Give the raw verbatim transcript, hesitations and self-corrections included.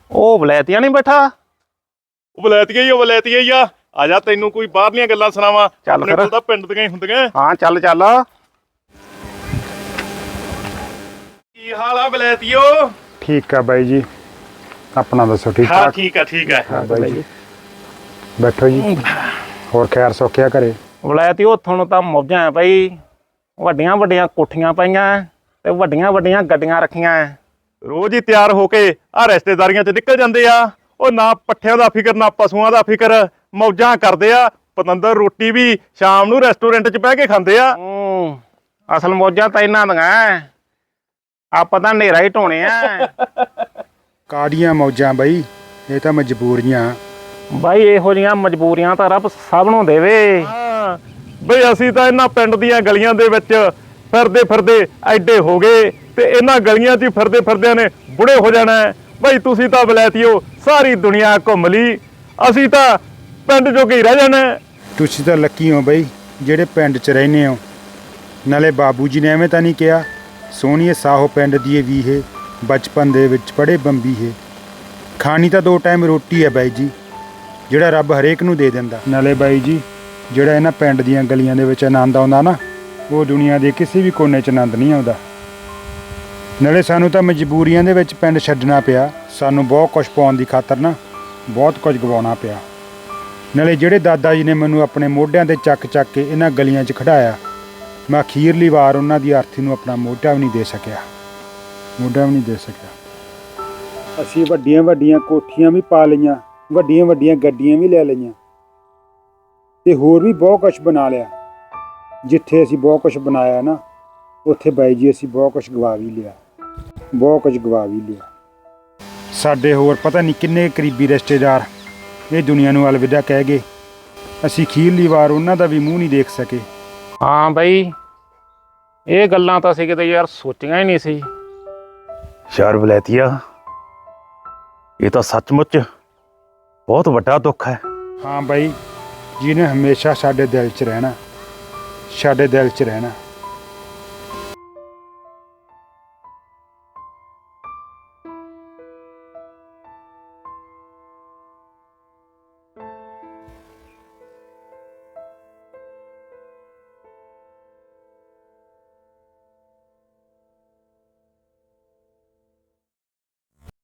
ਉਹ ਵਲੈਤੀਆ ਨਹੀਂ ਬੈਠਾ। ਉਹ ਵਲੈਤੀਆ ਹੀ ਉਹ ਵਲੈਤੀਆ ਹੀ ਆ। ਆ ਜਾ ਤੈਨੂੰ ਕੋਈ ਬਾਹਰਲੀਆਂ ਗੱਲਾਂ ਸੁਣਾਵਾਂ। ਚੱਲ ਆਪਣੇ ਫਿਰ। ਕੋਲ ਤਾਂ ਪਿੰਡ ਦੀਆਂ ਹੀ ਹੁੰਦੀਆਂ। ਹਾਂ ਚੱਲ ਚੱਲ। ਕੀ ਹਾਲ ਆ ਵਲੈਤੀਓ? ਠੀਕ ਆ ਬਾਈ ਜੀ, ਆਪਣਾ ਦੱਸੋ? ਠੀਕ ਹਾਂ ਠਾਕ? ਠੀਕ ਆ ਠੀਕ ਆ। ਹਾਂ ਬਾਈ ਜੀ, ਬੈਠੋ ਜੀ। ਹੋਰ ਖੈਰ ਸੌਖਿਆ ਘਰੇ? ਵਲੈਤੀ ਉੱਥੋਂ ਨੂੰ ਤਾਂ ਮੌਜਾਂ ਐ ਬਈ। ਵੱਡੀਆਂ ਵੱਡੀਆਂ ਕੋਠੀਆਂ ਪਈਆਂ ਤੇ ਵੱਡੀਆਂ ਵੱਡੀਆਂ ਗੱਡੀਆਂ ਰੱਖੀਆਂ ਐ। ਰੋਜ਼ ਹੀ ਤਿਆਰ ਹੋ ਕੇ ਆ ਰਿਸ਼ਤੇਦਾਰੀਆਂ 'ਚ ਨਿਕਲ ਜਾਂਦੇ ਆ। ਉਹ ਨਾ ਪੱਠਿਆਂ ਦਾ ਫਿਕਰ ਨਾ ਪਸ਼ੂਆਂ ਦਾ ਫਿਕਰ, ਮੌਜਾਂ ਕਰਦੇ ਆ। ਪਤੰਦਰ ਰੋਟੀ ਵੀ ਸ਼ਾਮ ਨੂੰ ਰੈਸਟੋਰੈਂਟ 'ਚ ਬਹਿ ਕੇ ਖਾਂਦੇ ਆ। ਹੂੰ, ਅਸਲ ਮੌਜਾਂ ਤਾਂ ਇਹਨਾਂ ਦੀਆਂ। ਆਪਾਂ ਤਾਂ ਹਨੇਰਾ ਹੀ ਢੋਣੇ ਆ। ਕਾਹਦੀਆਂ ਮੌਜਾਂ ਬਾਈ, ਇਹ ਤਾਂ ਮਜਬੂਰੀਆਂ। ਬਾਈ ਇਹੋ ਜਿਹੀਆਂ ਮਜਬੂਰੀਆਂ ਤਾਂ ਰੱਬ ਸਭ ਨੂੰ ਦੇਵੇ। ਹਾਂ ਬਈ ਅਸੀਂ ਤਾਂ ਇਹਨਾਂ ਪਿੰਡ ਦੀਆਂ ਗਲੀਆਂ ਦੇ ਵਿੱਚ ਫਿਰਦੇ ਫਿਰਦੇ ਐਡੇ ਹੋ ਗਏ ਤੇ ਇਹਨਾਂ ਗਲੀਆਂ 'ਚ ਹੀ ਫਿਰਦੇ ਫਿਰਦਿਆਂ ਨੇ ਬੁੜੇ ਹੋ ਜਾਣਾ। ਬਈ ਤੁਸੀਂ ਤਾਂ ਵਲੈਤੀਓ ਸਾਰੀ ਦੁਨੀਆ ਘੁੰਮ ਲਈ, ਅਸੀਂ ਤਾਂ ਪਿੰਡ ਜੋਗੇ ਹੀ ਰਹਿ ਜਾਣਾ। ਤੁਸੀਂ ਤਾਂ ਲੱਕੀ ਹੋ ਬਾਈ ਜਿਹੜੇ ਪਿੰਡ 'ਚ ਰਹਿੰਦੇ ਹੋ। ਨਾਲੇ ਬਾਬੂ ਜੀ ਨੇ ਐਵੇਂ ਤਾਂ ਨਹੀਂ ਕਿਹਾ, ਸੋਹਣੀਏ ਸਾਹੋ ਪਿੰਡ ਦੀ ਵੀ ਇਹ ਬਚਪਨ ਦੇ ਵਿੱਚ ਪੜ੍ਹੇ ਬੰਬੀ ਹੈ। ਖਾਣੀ ਤਾਂ ਦੋ ਟਾਈਮ ਰੋਟੀ ਹੈ ਬਾਈ ਜੀ, ਜਿਹੜਾ ਰੱਬ ਹਰੇਕ ਨੂੰ ਦੇ ਦਿੰਦਾ। ਨਾਲੇ ਬਾਈ ਜੀ ਜਿਹੜਾ ਇਹਨਾਂ ਪਿੰਡ ਦੀਆਂ ਗਲੀਆਂ ਦੇ ਵਿੱਚ ਆਨੰਦ ਆਉਂਦਾ ਨਾ, ਉਹ ਦੁਨੀਆ ਦੇ ਕਿਸੇ ਵੀ ਕੋਨੇ 'ਚ ਆਨੰਦ ਨਹੀਂ ਆਉਂਦਾ। ਨਾਲੇ ਸਾਨੂੰ ਤਾਂ ਮਜਬੂਰੀਆਂ ਦੇ ਵਿੱਚ ਪਿੰਡ ਛੱਡਣਾ ਪਿਆ। ਸਾਨੂੰ ਬਹੁਤ ਕੁਝ ਪਾਉਣ ਦੀ ਖਾਤਰ ਨਾ ਬਹੁਤ ਕੁਝ ਗਵਾਉਣਾ ਪਿਆ। ਨਾਲੇ ਜਿਹੜੇ ਦਾਦਾ ਜੀ ਨੇ ਮੈਨੂੰ ਆਪਣੇ ਮੋਢਿਆਂ 'ਤੇ ਚੱਕ ਚੱਕ ਕੇ ਇਹਨਾਂ ਗਲੀਆਂ 'ਚ ਖੜਾਇਆ, ਮੈਂ ਅਖੀਰਲੀ ਵਾਰ ਉਹਨਾਂ ਦੀ ਆਰਥੀ ਨੂੰ ਆਪਣਾ ਮੋਢਾ ਵੀ ਨਹੀਂ ਦੇ ਸਕਿਆ। ਮੋਢਾ ਵੀ ਨਹੀਂ ਦੇ ਸਕਿਆ। ਅਸੀਂ ਵੱਡੀਆਂ ਵੱਡੀਆਂ ਕੋਠੀਆਂ ਵੀ ਪਾ ਲਈਆਂ, ਵੱਡੀਆਂ ਵੱਡੀਆਂ ਗੱਡੀਆਂ ਵੀ ਲੈ ਲਈਆਂ ਤੇ ਹੋਰ ਵੀ ਬਹੁਤ ਕੁਝ ਬਣਾ ਲਿਆ। ਜਿੱਥੇ ਅਸੀਂ ਬਹੁਤ ਕੁਝ ਬਣਾਇਆ ਨਾ, ਉੱਥੇ ਬਾਈ ਜੀ ਅਸੀਂ ਬਹੁਤ ਕੁਝ ਗਵਾ ਵੀ ਲਿਆ, ਬਹੁਤ ਕੁਝ ਗਵਾ ਵੀ ਲਿਆ। ਸਾਡੇ ਹੋਰ ਪਤਾ ਨਹੀਂ ਕਿੰਨੇ ਕਰੀਬੀ ਰਿਸ਼ਤੇਦਾਰ ਇਹ ਦੁਨੀਆ ਨੂੰ ਅਲਵਿਦਾ ਕਹਿ ਗਏ। ਅਸੀਂ ਅਖੀਰਲੀ ਵਾਰ ਉਹਨਾਂ ਦਾ ਵੀ ਮੂੰਹ ਨਹੀਂ ਦੇਖ ਸਕੇ। ਹਾਂ ਬਈ, ਇਹ ਗੱਲਾਂ ਤਾਂ ਅਸੀਂ ਕਿਤੇ ਯਾਰ ਸੋਚੀਆਂ ਹੀ ਨਹੀਂ ਸੀ। ਯਾਰ ਵਲੈਤੀਆ, ਇਹ ਤਾਂ ਸੱਚਮੁੱਚ ਬਹੁਤ ਵੱਡਾ ਦੁੱਖ ਹੈ। ਹਾਂ ਬਾਈ, ਜਿਹਨੇ ਹਮੇਸ਼ਾ ਸਾਡੇ ਦਿਲ 'ਚ ਰਹਿਣਾ, ਸਾਡੇ ਦਿਲ 'ਚ ਰਹਿਣਾ।